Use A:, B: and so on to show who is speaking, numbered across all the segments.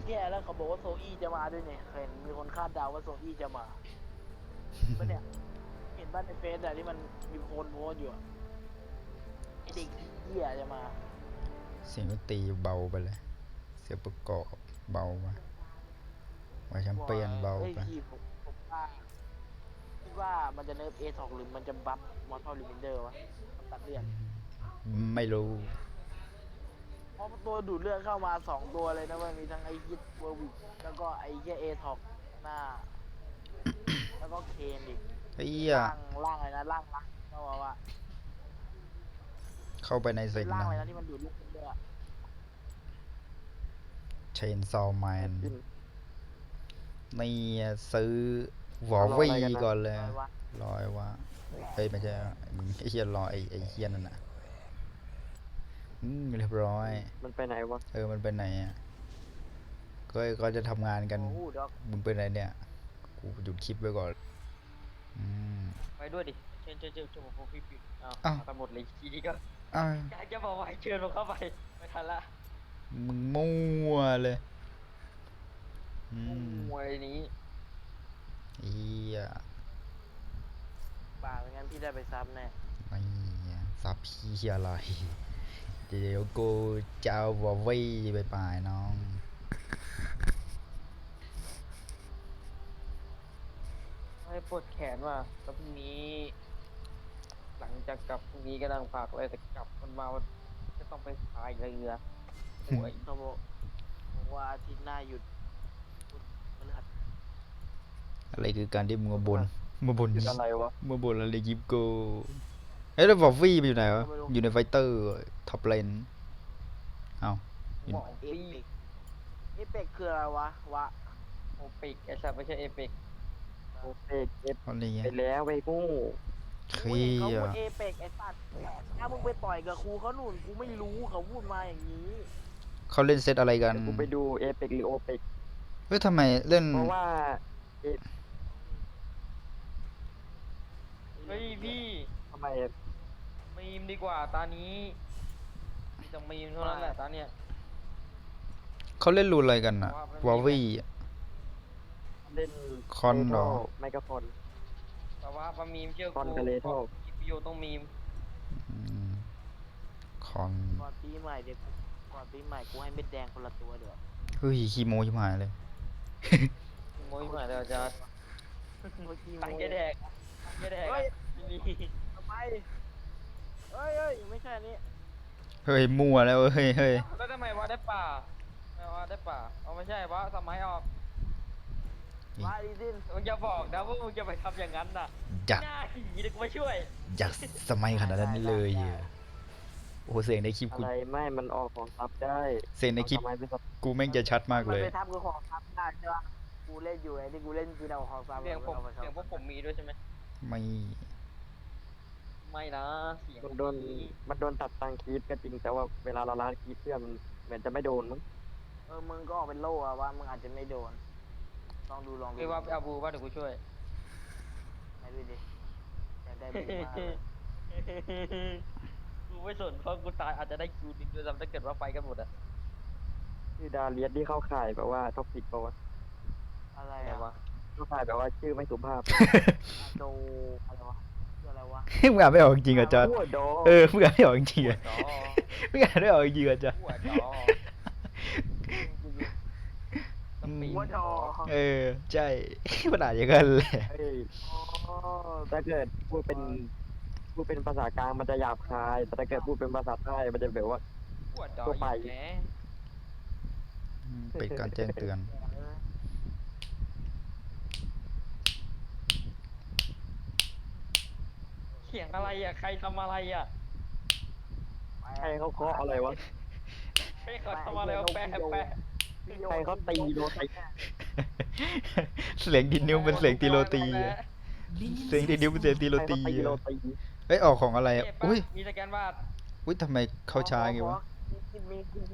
A: แย่แล้วเขาบอกว่าโซอี้จะมาด้วยเนี่ยเห็นมีคนคาดเดาว่าโซอี้จะมาปะเนี่ยเห็นบ้านในเฟซอะที่มันมีคนโพสต์อยู่อะไอเด็กเหี้ยจะมา
B: เสียงดนตรีเบาไปเลยเสียงประกอบเบาไปไว้แชมเปี้ยนเบา
A: เอ้ย
B: ไป
A: พี่ผมว่าคิดว่ามันจะเนิร์ฟA2หรือมันจะบัฟมอร์ทัลลิมินเดอร์วะตัดเลือด
B: ไม่รู้
A: เพราะตัวดูดเลือดเข้ามา2ตัวเลยนะมันมีทั้งไอฮิตเวอร์วิกแล้วก็ไอเหี้ยA2หน้าแล้วก็เคนอีก
B: ไอ้เหี้ย
A: ร่างอะไรนะร่างรักก็ว่า
B: เข้าไปใน
A: เป็น
B: เซ็กนะ
A: ร่างอะไรนะที่มันดูดเลือดเยอะ
B: เชนซอว์แมน
C: กิน
B: นี่ซื้อวอล
C: รอ
B: วี
C: อะไรกันนะ
B: ก่อนเลย
A: อะไรวะ
B: รอไอ้วะเฮ้ยไม่ใช่มึงไอ้เฮียรอไอ้เฮียนั่นน่ะเรียบร้อย
C: มันไปไหนวะ
B: มันไปไหนอ่ะก็จะทำงานกัน
A: โอ้โหด็อก
B: มึงไปไหนเนี่ยกูหยุดคลิปไว้ก่อนอืม
D: ไปด้วยดิเชิญผมพี่ปิดอ้าว
B: อ้าว
D: มากันหมดเลยทีนี้ก็
B: อ้าว
D: อยากจะบอกว่าให้เชิญผมเข้าไปไม่ทันละ
B: มึงมั่วเลยอืม
D: มวยนี้
B: เฮีย
A: ป่าไม่งั้นพี่ได้ไปซับแน่
B: ไม่ซับเฮียอะไรเดี๋ยวกูจะเอาวอลวีไปป่ายน้อง
D: ให้ปวดแขนว่ะแล้วพรุ่งนี้ หลังจากกลับพรุ่งนี้ก็นั่งฝากเลยแต่กลับมันมาจะต้องไปพายเรือป่วย
A: เขาบอกว่าอาทิตย์หน้าหยุดพุธพฤหัส
B: อะไรคือการที่มึงมาบน
C: คืออะไรวะ
B: มาบนอะไรยิปโกเฮ้ยแล้ววอลวี่ไปอยู่ไหนวะอยู่ในไฟเตอร์ท็อปเลนเอ้า
D: หมอ
A: เอ
D: ปี้
A: ปิกเอปิกคืออะไรวะวะ
D: โอปิกไอ้สัตว์ไม่ใช่เอปิก
C: โอเปกเอฟ
B: อะไรเงี้
C: ไป
B: ย
C: แล้วไปกู้
B: เค
A: กู
B: รี
A: เห็นเขา
B: ย
A: พูด
B: ด
A: เอปิกไอ้สัตว์ถ้ามึงไปต่อยกับครูเขาหนุนกูไม่รู้เขาพูดมาอย่างนี้
B: เขาเล่นเซตอะไรกัน
C: เดี๋ยวกูไปดูเอเปกหรือโอเปก
B: เฮ้ยทำไมเล่น
C: เพราะว่า
D: เฮ้ยพี่
C: ทำไม
D: มีมดีกว่าตานี้มีแต่มีมเท่านั้นแหละตาเนี้ย
B: เขาเล่นรูนอะไรกันอะวอลวี่
C: เล่น
B: คอนเหรอ
C: ไมโครฟอน
D: แต่ว่าปามีมเชื่อ
C: คอน
D: กู
C: กับเลโท
D: มีประโยชน์ต้องมีม
B: คอน
A: ก่อนปีใหม่เด็กก่อนปีใหม่กูให้เม็ดแดงคนละตัวเดี๋ยว
B: เฮ้ยคีโมชิบหายเลย
D: โมยมาแล้วจะตังแกแดกตังแกแดก
A: เฮ้ย
D: มี
A: ทำไมเฮ้ยไม่ใช่อันนี้
B: เฮ้ยมั่วแล้วเฮ้ย
D: แล้วทำไมวะได้ป่าไม่วะได้ป่าเอาไม่ใช่วะสมัยออก
A: วาอีดิน
D: มึงจะบอกนะว่ามึงจะไปทำอย่างนั้นน่ะ
B: อยาก
D: หน้าหีเดี๋ยวกูมาช่วย
B: อยากสมัยขนาดนั้นเลยโอ้โหเสียงในคลิป
C: อะ
B: กู
C: ไรไม่มันออกของซับได้
B: เสียงในคลิป
C: ทำไมเป็นซับ
B: กูแม่งจะชัดมาก
A: มัน
B: เลย
A: ไปทับกับของทับได้ใช่ปะกูเล่นอยู่ไอ้ที่กูเล่นคือเอาของซับ
D: เสียงผม
A: อาไป
D: เสียงพวกผมมีด้วยใช่ไหม
B: ไม่
D: ไม่นะเสียง
C: มันโดนตัดตังคีบก็จริงแต่ว่าเวลาเราล้างคีบเพื่อนมันเหมือนจะไม่โดนมั้ง
A: มึงก็ออกเป็นโล่อะว่ามึงอาจจะไม่โดนลองดู
D: ไม่ว่าไปเอาบูว่าเดี๋ยวกูช่วย
A: ไหนดูดิอยากได้บูมากเลย
D: กูไม่สนเพราะกูตายอาจจะได้คิวหนึงด้วยซ้ำถ้าเกิดว่าไปกันหมดอะ
C: ชื่อดาเลียสที่เข้าข่ายแบบว่าท็อกซิกป่าวะ
A: อะไร
D: อะไร
A: อะ
D: วะ
C: เข้าข่ายแบบว่าชื่อไม่สุภาพ
A: โดอะไรวะคืออะไรวะ
B: มึงอ่านไม่ออกจริงๆอ่ะจอร์จ
C: หัวดอ
B: มึงอ่านไม่ออกจริงๆ
D: หัว
B: อ่ะ
D: จอ
B: มึงอ่านไม่ออกจริงๆอ่ะจอร์จ
D: หัวจอสปีด
A: หัวดอ
B: ใช่ มันอ่านอย่างนั้นแหละ
C: เฮ้ย
A: อ๋อ
C: ถ้าเกิดพูดเป็นภาษากลางมันจะหยาบคาย แต่ถ้าเกิดพูดเป็นภาษาใต้มันจะแบบว่า
D: หัวจอ
C: ตัวไป
D: แหม
B: เป็นการแจ้งเตือน
D: เสียงอะไรอ่ะใครทำอะไรอ่ะ
C: ใครเขาเคาะอะไรวะ
D: ใครเขาทำอะไรวะแปะ
C: ใครเขาตีโดนตี
B: เสียงดินนิ้วเป็นเสียงตีโรตีอะเสียงดินนิ้วเป็นเสียงตีโร
C: ใครเขา
B: ตี
C: ตีโด
B: อะ
C: นตี
B: เฮ้ยออกของอะไรอ่ะ
D: เจ็บปะ
B: อุ้ย
D: มีสแกนวาด
B: ทำไมเขาช้าไงวะ
A: มี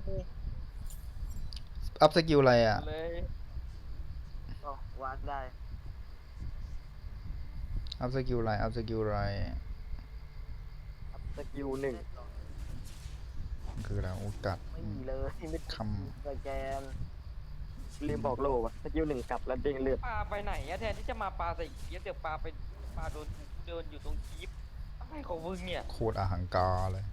B: อัพสกิลอะไรอ่ะ
D: เลย
A: ก็วาดได้
B: อัพสกิลอะไรอัพสกิลอะไร
C: สกิลหนึ่ง
B: คืออะไรโอ้กัด
A: ไม่มีเลยไม่
B: ค
A: สแกน
C: ลืมบอกโลว่ะสกิลหนึ่งกัดแล้วเด้งเลือด
D: ปลาไปไหนอะแทนที่จะมาปลาใส่เกียร์เดี๋ยวปลาไปปลาโดนเดินอยู่ตรงคีบอะไรของมึงเนี่ย
B: โคตรอาหังการเลย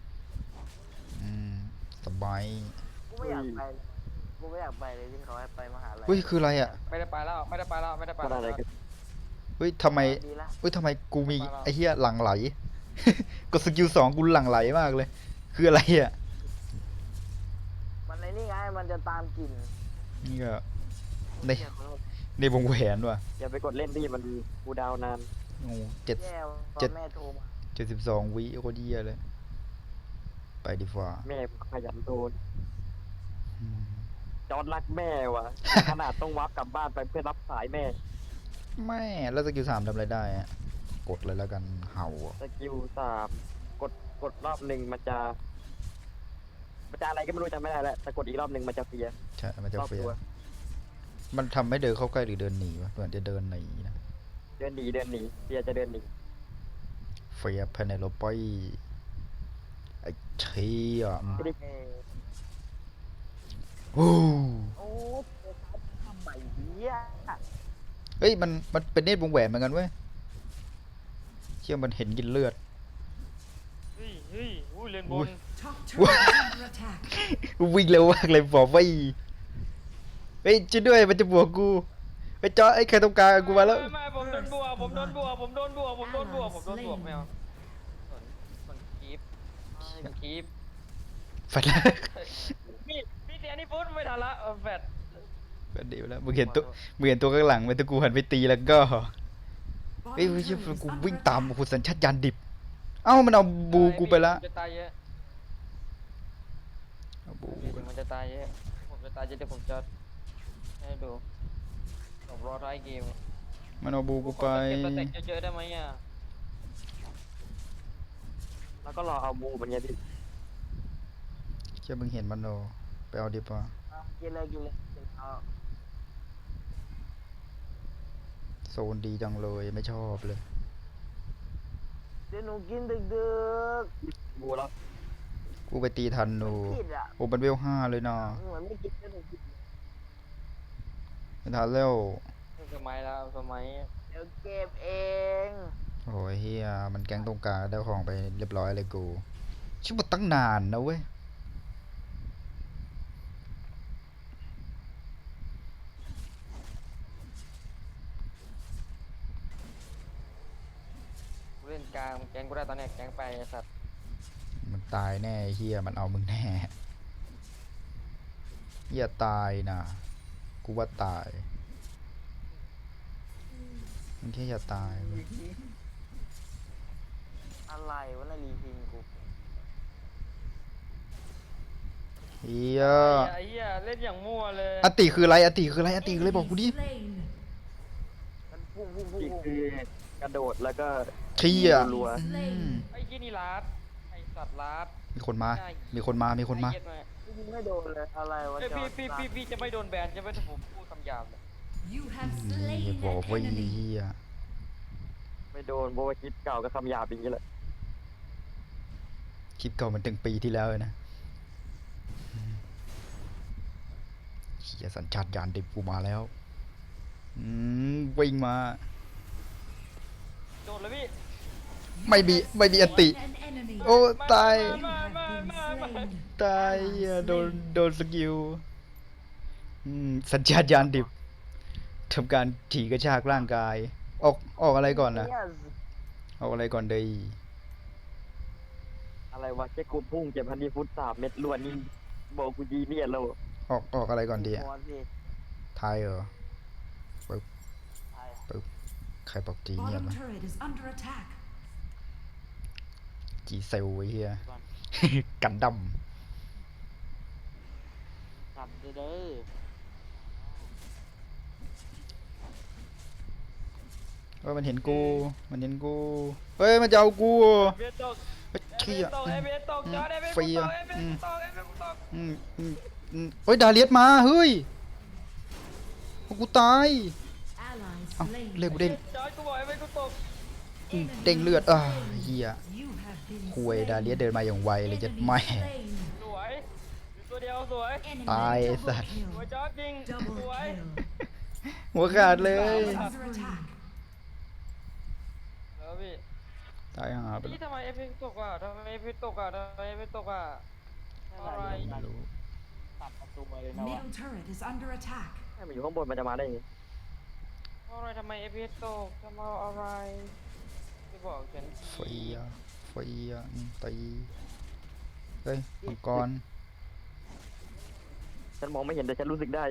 B: สบาย
A: กูไม่อยากไปกูไม่อยากไปเลยที่เขาให้ไปมหาลัย
B: เฮ้ยคืออะไรอ่ะ
D: ไม่ได้ไปแล้วไม่ได้ไปแล้วไม่ได้ไป
C: มัน
D: แล้ว
C: อะไรกัน
B: เฮ้ยทำไม
A: ดีละ
B: เฮ้ยทำไมกูมีไอ้เหี้ยหลั่งไหล กดสกิล2กูหลั่งไหลมากเลย คืออะไรอ่ะ
A: มันในนี่ไงมันจะตามกลิ่น
B: นี่ก็ใน
A: เหี้ยขอโทษ
B: ในวงแหวนว่ะ
C: อย่าไปกดเล่นดิมันกูดาวนาน
B: โอ้เจ็ด
A: แย่ตอ
B: เจ็ด
A: นแม่โทรมา
B: 72 วิโคตรเหี้ยเลย ไปดีกว่า
C: แม่ขยันโดน
B: อืม
C: จอร์ดรักแม่ว่ะ ขนาดต้องวับกลับบ้านไปเพื่อรับสายแม่
B: แม่แล้วสกิล3ทำอะไรได้อะกดเลยแล้วกันเห่าอะ
C: สกิล3กดรอบหนึ่งมันจะอะไรก็ไม่รู้จำไม่ได้แล้วแต่กดอีกรอบหนึ่งมันจะเฟีย
B: ใช่มันจะ
C: รอบ
B: เฟีย
C: ตัว
B: มันทำให้เดินเข้าใกล้หรือเดินหนีวะเหมือนจะเดินหนีนะ
C: เดินหนีเฟียจะเดินหนี
B: เฟียเพเนโลไปไอ้เชี่ย
A: เออ
B: โอ้
A: โอ้เจอเขาทำใหม่เหี้ย
B: เฮ้ยมันเป็นเนตรวงแหวนเหมือนกันเว้ยเชี่ยมันเห็นกินเลือด
D: เฮ้ยอุ้ยเล่นบน
E: Top turret is under attack.
B: วิ่งเร็วมากเลยบอกว่าอีเฮ้ยช่วยด้วยมันจะบวกกูไอ้จอไอ้ใครต้องการกูมาแล้ว
D: ไม่ผมโดนบวกผมโดนบวกไม่เอาส่วนคีบคีบ
B: แฟดแล้ว
D: มีเสียนี่ฟุตไม่ทันละแฟด
B: แฟดดีไปแล้วมึงเห็นตัวข้างหลังมันตะกูหันไปตีแล้วก็เฮ้ย
E: Bottom
B: เชี่ย
E: turret is
B: กู
E: under
B: วิ่งตาม
E: attack.
B: โอ้โหสัญชาตญาณดิบเอ้ามันเอาบูกูไปละ
D: จะตายเยอะ
B: เอาบู
D: มันจะตายเยอะผมจะตายเยอะเดี๋ยวผมจะให้ดูผมรอท้ายเกม
B: มันเอาบูกูไป
D: เก็บสเต็กเยอะๆได้ไหมอ่ะ
C: แล้วก็รอเอาบูมันไงพี่
B: เชี่ยมึงเห็นมันโนไปเอาดิป่ะ
A: เอากินเลยเอา
B: โซนดีจังเลยไม่ชอบเลย
A: เดี๋ยวหนูกินดึก
C: บูแล้ว
B: กูไปตีทัน
A: ๆ
B: หนู
A: มันผิดอ่ะ
B: โอ้มันเวล5เลยนะ
A: เหมือนไม่กินเดี๋ยวหนูกิน
B: ไม่ทันแล้ว
D: สมัยแล้วสมัย
A: เดี๋ยวเก็บเอง
B: โอ้ยเฮียมันแก๊งตรงกลางได้ของไปเรียบร้อยเลยกูชิบะตั้งนานนะเว้ย
D: เล่นกลางแกงกูได้ตอนเนี้ยแกงไปไอ้สัตว์
B: มันตายแน่ไอ้เฮียมันเอามึงแน่เฮียตายนะกูว่าตายมันแค่อย่าตายเว้ย
A: อะไรวะน่ะรีพิงกู
B: เฮีย
D: ไอ้เหี้ยเล่นอย่างมั่วเลย
B: อติคืออะไรอติคืออะไรอติคืออะไรบอกกูดิ
E: Slain.
A: มันพุ่ง
C: อีกคือกระโดดแล้วก็
B: เฮีย
C: รัว
B: อืม
D: ไอ้ยี่นี่ลาดไอ้สัตว์ลาด
B: มีคนมา มีคนมา มีคนมา
D: ไอ้เหี้ย
A: ยิงไม่โดนเลยอะไรวะ
D: เอ้ย
A: จอ
D: พี่จะไม่โดนแบนจะไม่ผมพูดคำหยาบเลย
E: You have
B: นี่
E: slain
B: บอก
E: an
B: ว่า
E: enemy.
B: เฮีย
C: ไม่โดนโบวาคิดเก่าก็คำหยาบอย่างนี้แหละ
B: คลิปเก่ามันถึงปีที่แล้วเลยนะเฮียสัญชาตญาณดิบกูมาแล้ววิ่งมา
D: โดนเลยพี่
B: ไม่มีอติ
E: An enemy.
B: โอ้ตาย
E: You have been slain.
B: ตายเหี้ยโดนสกิลสัญชาตญาณดิบทำการถีกระชากร่างกาย ออกอะไรก่อนนะ
A: เนี่ย
B: ออกอะไรก่อนเดย
C: อะไรวะแค่กูพุ่งเจ็บพันดีฟุต3 เม็ดล้วนนี่บอกกูดีเนี่ยเรา
B: ออกอะไรก่อนดีอะ
A: หัวสิ
B: ไทยเหรอ
A: ใช่
B: ใครบอกจีเงียบ
E: Bottom
B: วะ
E: turret is under attack.
B: จีเซลไอ้เฮีย
A: ก่อน
B: กันด
A: กลับเด้อ
B: ำมันเห็นกูเฮ้ยมันจะเอากู
D: เบียตก
B: เฮ้ยเชี่ย
D: เบียตกจอดเบีย
B: เฟีย
D: ตกเบียตก
B: เฮ้ยดาเลียสมาเฮ้ยกูตาย
E: Ally
B: เอ้า
E: slain.
B: เรียกกูเด้ง
D: จอดกูบอกให้ไม่กูตก
B: เด้งเลือดเฮีย
E: You have been
B: คุย
E: slain.
B: ดาเลียสเดินมาอย่างไวเลยจะ
E: Enemy
B: ไม่
E: slain.
D: สวยสตัวเดียวสวย
E: Enemy
B: Ai
E: double
B: sao?
D: สวย
E: kill.
D: จ๊อบจริง ส
E: Double
D: วย
E: kill.
B: หัวขาดเลย
E: Under attack.
D: แล้วพี่
B: ตายหาไปแล้
D: นี่
B: ว
D: ทำไมเอฟพีตกอ่ะทำไมเอฟพีตกอ่ะทำไมเอฟพีตกอ่ะ อะไร
B: ไม่รู้
A: ตัดประตูมาเลยนะวะ
E: Middle turret is under attack.
C: ให้มันอยู่ข้างบนมันจะมาได้ยังไง
D: อะไรทำไมเอฟพีตกทำไมอะไรที่บอกฉัน
B: เฟียเฟียตีเฮ้ยมังกร
C: ฉันมองไม่เห็นแต่ฉันรู้สึกได้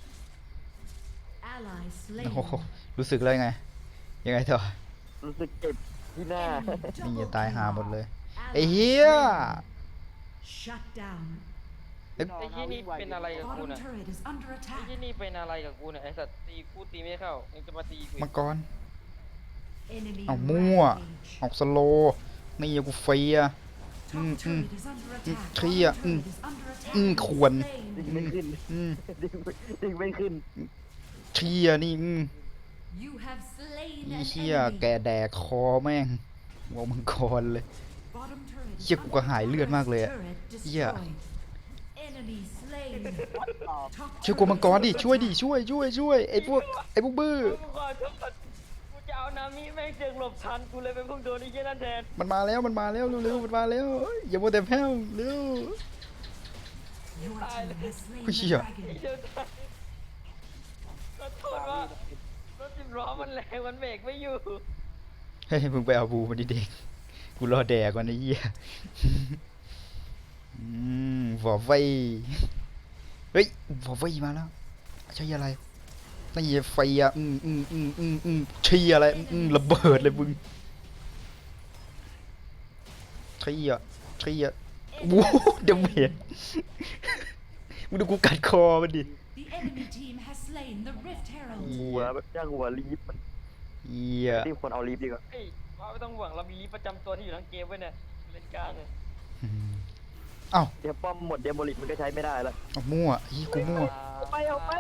E: Ally slain.
B: โอ้โหรู้สึกเลยไง ยังไงต่อ
C: รู้สึกเจ็บที่หน้า
E: Enemy
B: นี่
E: double
B: จะตายหา
E: kill.
B: หมดเลย
E: Ally
B: ไอ้เหี้ย
E: slain. Shut down.
D: ไอ้ที่นี่เป็นอะไรกับกู
E: Bottom
D: น่ะ
E: turret is under
D: ไอ้
E: attack.
D: ที่นี่เป็นอะไรกับกูเนี่ยไอ้สัตว์ตีกูตีไม่เข้ายังจะมาตีกู
B: มังกร
E: Enemy
B: เอามั่ว
E: rampage.
B: ออกสโลว์นี่กูเฟีย
E: Top turret is under attack.
B: Clear.
E: Bottom turret is under attack.
B: ควร
C: ดึง
E: Slain.
C: ไม่ขึ้น
B: อืม
C: ดึงไม่ขึ้น
B: เชียนี่
E: You have slain
B: อี
E: an
B: เชี่ย
E: enemy.
B: แกแดกคอแม่งหัวมังกรเลย
E: Bottom turret is
B: เชี่ยกูก็หายเลือดมากเลยอะ
E: turret
B: เหี้ย
E: destroyed. Enemy slain.
A: ต่อ
E: Top
B: ช่วยกูมังกรดิช่วยดิช่วยไอ้พวกบื้อ
D: กูขอโทษกูจะเอานามิแม่งเจึงหลบทันกูเลยเป็นพวกโดนไอ้เหี้ยนั่นแทน
B: มันมาแล้วเร็วๆมันมาแล้วอย่ามัวแต่แพ้วเร็ว
E: Your team has slain
B: Ui,
E: the
B: ชี่ย
D: ไอ้
E: dragon.
D: เจ้าตายขอโทษว่ารถสิบล้อมันแรงมันเบรกไม่อยู่
B: เฮ้ยมึงไปเอาบูมันดิเด็กกูรอแดกก่อนไอ้เหี้ยฟอไฟเฮ้ยฟอไฟมาแล้วใช่อะไรนี่ไฟอ่ะเชียอะไรระเบิดเลยมึงเชียวู้เดเมจมึงดูกูกัดคอมันดิ
E: The enemy team has slain the Rift Herald.
C: หัวแบบจ้างหัวรีบมัน
B: เหี้ย
C: รีบคนเอารีบดีกว่า
D: เฮ้ยว่าไม่ต้องห่วงเรามีลิฟต์ประจำตัวที่อยู่ทั้งเกมไว้เนี่ยเล่นกลางเลย
B: เอ้า
C: เดี๋ยวป้อมหมดเดโมลิกมันก็ใช้ไม่ได้แล้ว
B: เอามั่วอีกูมั่ว
C: เอาไป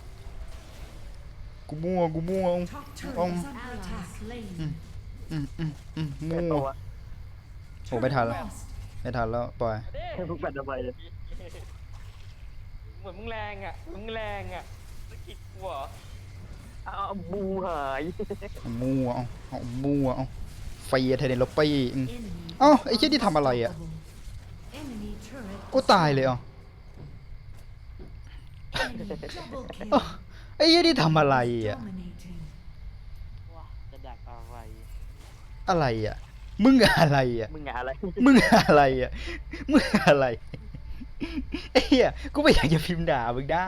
B: กูมั่ว
E: Top turret is under attack. Slain.
C: แต่
B: มั่
C: ตัว ว
B: โอ้ไม่ทันแล้ว
E: Lost.
B: ไม่ทันแล้วปล่อย
D: เด้
C: ให้พวกแบตทำไมเลย
D: เหมือนมึงแรงอ่ะมึงแรงอ่ะสกิดกูเหรอ
C: เอาบูหาย
B: เอามั่วเอามั่วเอาไฟเทเนโลปี้
E: Enemy
B: เอ้าไอ้เหี้ยที่ทำอะไรอะ
E: unstoppable. Enemy turret
B: กูตายเลยอ่ะ
E: Enemy double kill.
B: เอ้าไอ้เหี้ยที่ทำอะไรอ่ะ
E: Dominating.
A: ว่าจะดักอะไร
B: อะไรอ่ะมึงอะไรอ่ะ
C: มึงอะอะไร
B: มึงอะไรอ่ะมึงอะไรไอ้เหี้ยกูไม่อยากจะพิมพ์ด่ามึงนะ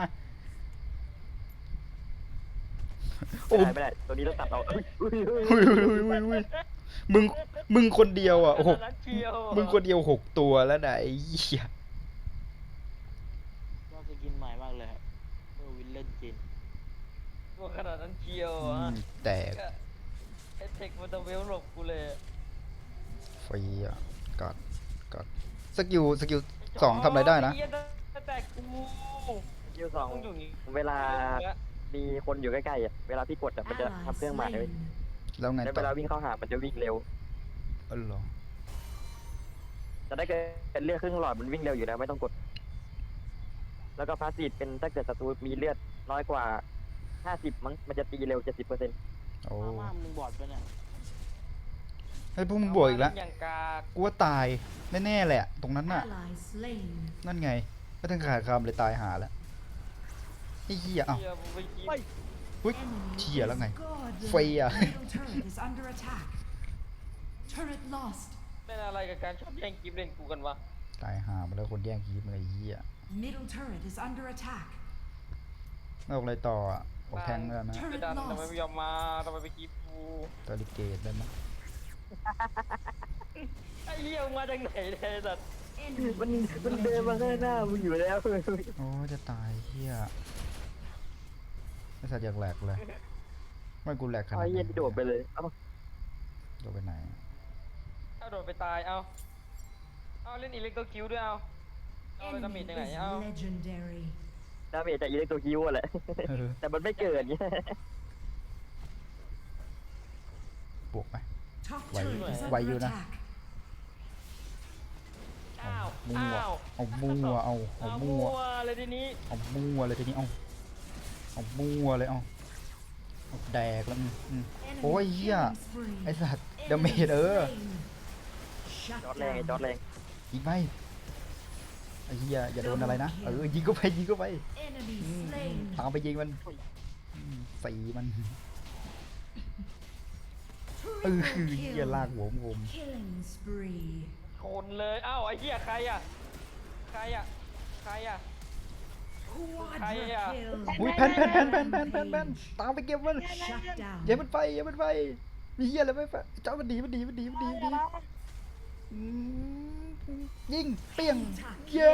B: โอ้
C: ไม่ได้ตัวนี้ต้องตัดเอาอุ้ย
B: อุ้ยมึงคนเดียวอ่ะหก
D: นั้นเชียว
B: มึงคนเดียว6 ตัวแล้วนะไอ้เหี้ย
A: ก็สกินใหม่มากเลยครับเมื่อวินเล่นจิน
D: ตัวขนาดนั้นเชียว
B: อื
D: อ่ะ
B: มแตก
D: ก็ไอ้เทคมันจะเวลหลบกูเลย
B: ไฟอ่ะกัดสกิล2ทำอะไรได้นะ
D: อ้เหี้ยแต่กู
C: คิวสอง
D: มึงอยู่นี่
C: เวลามีคนอยู่ใกล้ๆอ่ะเวลาพี่กดอ่ะมันจะ
E: Ally
C: ทำเครื่องหมายไว้
E: slain.
B: แล้วไง
C: แล้ว
B: ต่
C: เว
B: อ
C: ลาวิ่งเข้าหามันจะวิ่งเร็ว
B: อ๋อเหรอ
C: จะได้เกิดเลือดครึ่งหลอดมันวิ่งเร็วอยู่แล้วไม่ต้องกด แล้วก็พาสซีฟเป็นถ้าเกิดศัตรูมีเลือดน้อยกว่า 50 มั้งมันจะตีเร็ว 70%
B: โอ้
A: มามึงบอดไปเนี่ย
B: ไอ้พวกมึงบวกอีกแล้ว
D: อย่างกาก
B: กูว่าตายแน่ๆแหละ ตรงนั้นน่ะ
E: Ally slain.
B: นั่นไงไม่ต้องขาดคำเลยตายหาแล้วไอ้เหี้ยเอ้า
D: เชียมึงไปกิน
B: อุ้ย
E: Enemy
B: เชี่ยแล้วไง
E: is godlike.
B: ไฟอ่ะ
E: Middle turret is under attack. Turret lost.
D: เป็นอะไรกับการชอบแย่งกิฟต์เล่นกูกันวะ
B: ตายหามาแล้วคนแย่งคีบเลยไอ้เหี้ย
E: Middle turret is under attack.
B: แล้วอะไรต่ออ่ะออกแทงแล้วนะ
D: ไปดันทำไมไม่ยอมมาทำไมไปกิฟต์กู
B: ตอริเกตได้ไหม
D: ไอ้เหี้ยมึงมาจากไหนเนี่ยไอ้สัตว์
E: Enemy
C: มัน
E: is
C: มันเดินมาข้างหน้า
E: legendary.
C: มึงอยู่แล้ว
B: โอ้จะตายเหี้ยไอ้สัตว์อยากแหลกเลยไม่กูแหลกขนาด
C: ไอ้
B: ไหน
C: เหี้ย็นโดดไปเลยเอ้า
B: โดดไปไหน
D: ถ้าโดดไปตายเอาเล่นอิเล็กโตรคิวด้วยเอาไป
E: Enemy
D: ทำมิดยังไง
E: is
D: เอา
E: legendary.
C: ดาเมจจากอิเล็กโทรคิวอะแหละ
B: เออ
C: แต่มันไม่เกิดเงี้ย
B: บวกไหม
E: Top
B: Why-
E: turret is
B: why
E: under
B: you na?
E: attack.
D: อ้าว
B: มั่ว
D: อ้าว
B: เอามั่วเอามั่ว
D: เลยทีนี้
B: เอามั่วเลยทีนี้เอามั่วเลยเอาแดกแล้วโอ้ยเหี้ยไอ้สัตว์ดาเมจ
C: จอดแรงไอ้จอดแรง
B: ยิงไปไอ้เหี้ยอย่าโดนอะไรนะยิงก็ไปตามไปยิงมันสีมันเหี้ยลากหัวผม
D: ชนเลยอ้าวไอ้เหี้ยใครอ่ะใครอ่ะใครอ่ะ
B: อุ้ยแพนตามไปเก็บมันอย่ามันไปมีเหี้ยอะไรไม่ไปเจ้ามันดียิงเปี้ยงเย้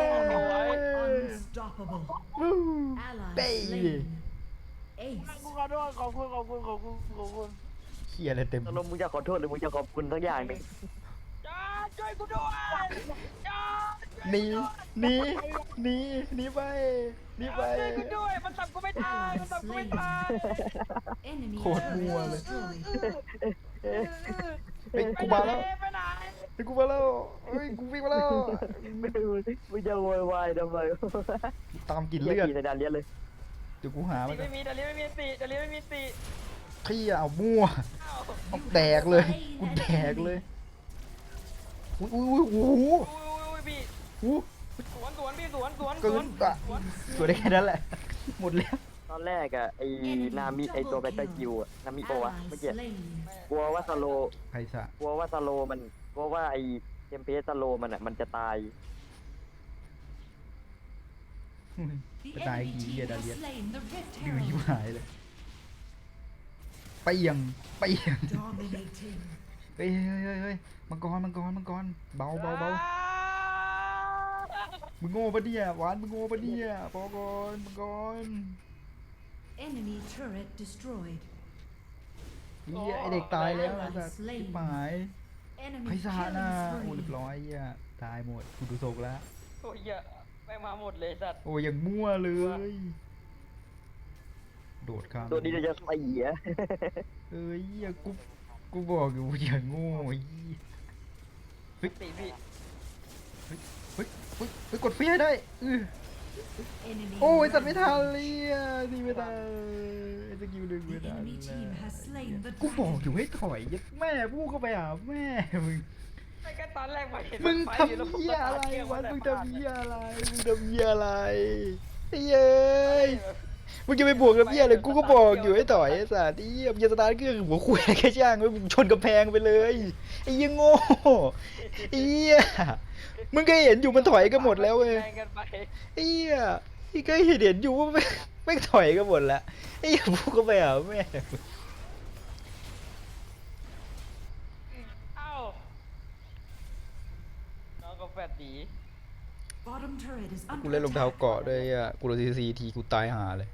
B: วู้เป้
A: กูขอโทษขอบคุณ
B: เหี้ยอะไรเต็ม
C: ตกลงมึงจะขอโทษหรือมึงจะขอบคุณทั้งอย่างหนึ่ง
A: จ้าช่วยกูด้วยจ้า
B: หนีไป
D: ช่วยกูด้วยมันจับกูไม่ทัน
B: โคตรมั่วเลยเฮ้ยกูมาแล้ว
D: ไปไหน
B: เฮ้ยกูมาแล้วเฮ้ยกูวิ่งมาแล้ว
C: มึงจะโวยวายทำไม
B: ตามกลิ่น
C: เลื
B: เลื
C: อ
B: อ
C: ด
B: ด
C: ในดานเลียนเลย
B: เดี๋ยวกูหามัน
D: ไม่มีดาลีไม่มีติดาลีไม่มีติ
B: ขี้เอามั่ว
D: อ้าว
B: เอาแดกเลยกูแดกเลยอุ้ยโอ้โห
D: อุ้ยพี่
B: อู้
D: สวนพี่สวน
B: เกินอะสวยได้แค่นั้นแหละหมดแล้ว
C: ตอนแรกอะไอ้นามิไอ้ตัวแบตเตอร์คิวอะนามิโปะเมื่อกี้กลัวว่าสโล
B: ใครสะ
C: กลัวว่าสโลมันกลัวว่าไอ้เทมเพสสโลมันอะมันจะตาย
B: จะตายกี่เหี้ยดาเลียนดื้อยิ่หายเลยไปยังเฮ้ยมังกรเบามึงโง่ปะเนี่ยหวานมึงโง่ปะเนี่ยพอก่อนมังกร
E: Enemy turret destroyed.
B: เหี้ยไอเด็กตายแล้วไอ้สัตว์ชิบหาย
E: Enemy
B: ไพศาล
E: killing
B: นะโอ้เรียบ
E: spree.
B: ร้อยเหี้ยตายหมดกูดูโศกแล้ว
D: โอ้ยอย่าไปมาหมดเลยสัตว์
B: โอ้ยังมั่วเลย โดดข้าม
C: ตัวนี้เราจะใส่เหี้ย
B: เอ้ยเหี้ยกูบอกอยู่อย่างโง่ไอ้เหี้ย
D: ติพี่
B: เฮ้ยกดเฟี้ยได้
E: Enemy
B: โอ้ยสัตว์ไม่ทันเลยอ่ะนี่ไม่ทันไอ้สกิลดึงไม่
E: The
B: ทัน
E: enemy team has slain the
B: กูบอกอยู่
E: dragon.
B: ให้ถอยยัดแม่พูดเข้าไปหาแม่มึง
D: ไม่แค่ตอนแรกมาเห็น
B: มึง
D: ไฟ
B: ทำ
D: อยู่แล้วผม
B: เหี้ย
D: ก็
B: อะไร
D: ตาเที่ยว
B: วะ
D: แต่
B: มึง
D: พลาด
B: ทำเหี้ยอะไรไอ้เย้ยมึงจะไปบวกกับเหี้ยเลยกูก็บอกอยู่ให้ถอยไอ้สัตว์ไอ้เหี้ยมึงจะสตาร์ทเครื่องหัวคุยอะไรแค่ช่างเว้ยมึงชนกำแพงไปเลยไอ้เหี้ยโง่ไอ้เหี้ยมึงก็เห็นอยู่มันถอยกันหมดแล้วเว้ย
D: แรงกันไป
B: ไอ้เหี้ยพี่ก็เห็นอยู่ว่าไม่ถอยกันหมดแล้วไอ้เหี้ยพูดเข้าไปหาแม่
D: เอ้าน้องก็แฟดดี
E: Bottom turret is
B: กู
E: under
B: เล่นรองเท้า
E: attack.
B: เกาะด้วยอ่ะกูโดนซีทีกูตายหาเลย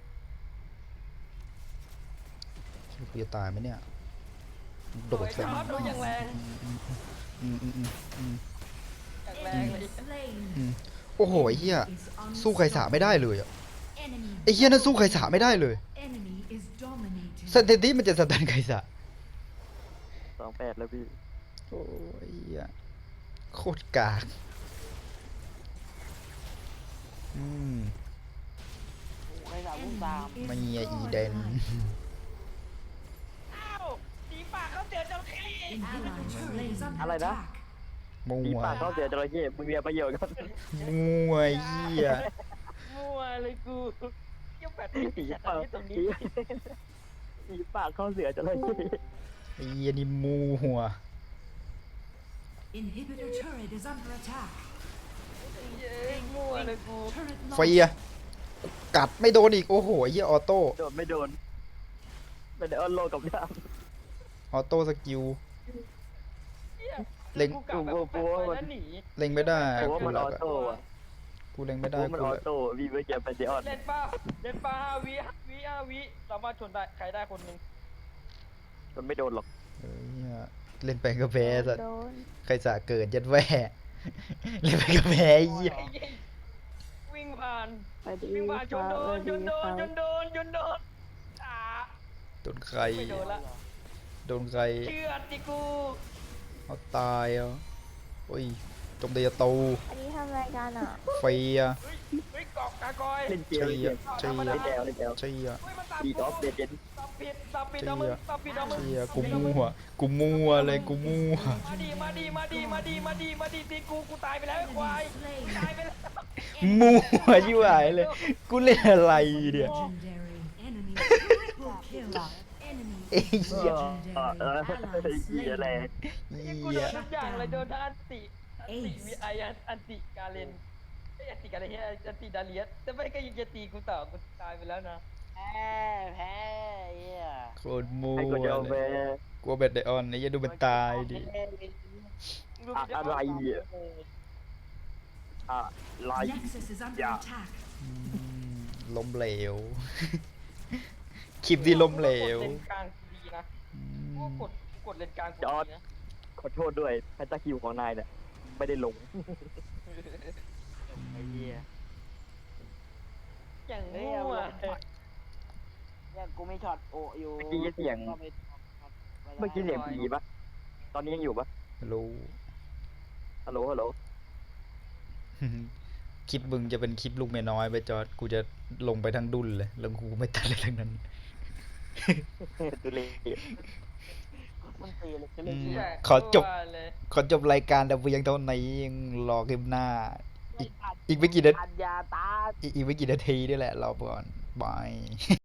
B: คิดว่ากูจะตายไหมเนี่ยโดด
D: สวย
B: ใส่
D: ครับดูอย่างแรง
B: อืม
D: อย่างแรงเลย
E: Slain.
B: โอ้โหไอ้เหี้ย
E: Is
B: สู้ใครสาไม่ได้เลยอ่ะ
E: Enemy
B: ไอ้เหี้ยนั่นสู้ใครสาไม่ได้เลย
E: enemy is dominating.
B: สเตติมันจะสตันใครสา
C: 28แล้วพี่
B: โอ้ยเหี้ยโคตรกากอืม
A: ใครถามมึงตาม
E: Enemy
B: ไม่
E: is
B: อี
E: destroyed
B: เดน
E: life.
D: เอ้าสีปากเขาเจอเจ้าเข้
E: Inhibitor turret is under
C: อะไรนะ
E: attack.
B: มั
C: ตี
B: ว
C: ปากเขาเสียจระเข้มึงมีประโยชน์กัน
B: มัวเหี้ย
D: มั่วเลยกูเกี่ยวแฟด
C: ตี
D: ที่
C: ปาก
D: ตรงนี้
C: ตีปากเขาเสียจระเข้
B: ไอ้เหี้ยนี่มัว
E: Inhibitor turret is under attack.
D: เย้มั่วเลยกู
E: Turret
B: ไฟอ่ะกัดไม่โดนอีก โอ้โหเหี้ยออโต้
C: โดนไม่โดนไม่ได้ออนโลกับดาม
B: ออโต้สกิล เล็ง
D: กูกลับแบบแฟดไปแล้วหนี
B: เล็งไม่ได้
C: เพราะว่า
B: กู
C: มัน
B: ห
C: อ
B: ลั
C: อก
B: อะ
C: โต้อะ
B: กูเล็ง
C: เพ
B: ไม่ได้
C: ราะมัน
B: กู
C: ออ
B: หลัก
C: โต้วีเวอร์เกียร์เป็นเดออน
D: เล่นป้า5 วิสามารถชนได้ใครได้คนหนึ่ง
C: มันไม่โดนหรอก
B: เอ้ยเหี้ยเล่นไปก็แพ้สัตว์ใครสะเกิดยัดแว่เล่นไปก็แพ้ไอ้เหี้ย
D: วิ่งผ่าน
C: ไปดิ
D: วิ่งผ่านจนโดนอ่า
B: โดนใคร
D: ไม่โดนละ
B: โดนใคร
D: เชื่อดดิกู
B: เอาตายเอาโอ้ยจมตีประตู
F: อันนี้ทำรายการอ่ะ
B: เฟีย
D: เฮ้ยเกาะกากอย
C: เล่นเก
B: เชี
C: ม
B: ย
C: เล่นเกม
B: เชีย
C: เล่นแอล
B: เชีย
D: เฮ้ยมันตาม
C: ดีดอฟเดเจน
D: สับปิดสับปิดเอามึงสับปิดเอามึง
B: เชียกูมั่วกูมั่วเลยกูมั่ว
D: มาดีมาดีมาดีมาดีมาดีมาดีตีกูตายไปแล้วไอ้ควายตายไปแล้ว
B: มั่วชิบหายเลย กูเล่นอะไรเนี่ย
E: Legendary enemy triple kill. Enemy
B: เอ้ยเหี้ย
E: legendary.
C: เหี้ย
E: Ally
C: อะไร
E: slain.
D: กูโดนทุกอย่างเลยโดนทั้งอันติวีไออันติกาเลนไอ้อันติกาเลนอันติดาเลียสแต่ไม่ก็ยังจะตีกูต่อกูตายไปแล้วนะ
A: แพ้เหี้ย
B: โคตรมั่ว
C: ให้กูจะเอาไป
B: เลยกลัวเบ็ดไดออนนี่อย่าดูมันตายดิ
C: อะไรอ่ะอะไร
E: Nexus is under
C: Yeah.
E: attack.
B: อืมล้มเหลว คลิปที่ล้มเหลว
D: เลนกลางดีนะ
B: อื
D: กู
B: ม
D: กดเลนกลางกูดีนะ
C: ขอโทษด้วยแพนตาคิวของนายเนี่ยไม่ได้ลง
A: ไอ้เหี้ย
D: อย่าง
A: เฮ้ย
D: งู
A: เอา
D: อ่ะ
A: เนี่ยกูไม่ช็อตโออยู่
C: เมื่อกี้เสียง
A: ก็ไปช็อตไได้
C: เมื่อกี้เสียงผีปะตอนนี้ยังอยู่ปะ
B: รู้
C: ฮัลโหลฮัลโหล
B: คลิปมึงจะเป็นคลิปลูกเมียน้อยไปจอดกูจะลงไปทั้งดุนเลยแล้วกูไม่ตัดเลยทั้งนั้น
C: ตุเล่
A: มันตีเลยจะ
B: อื
A: เล่น
B: ม
A: เหี้ย
B: ขอจบ
D: เลย
B: ขอจบรายการแต่เพียงเท่านี้ยังรอคลิปหน้า อีกไม่กี่นาที
A: อัญญาตา
B: อีกไม่กี่นาทีนี่แหละรอก่อนบาย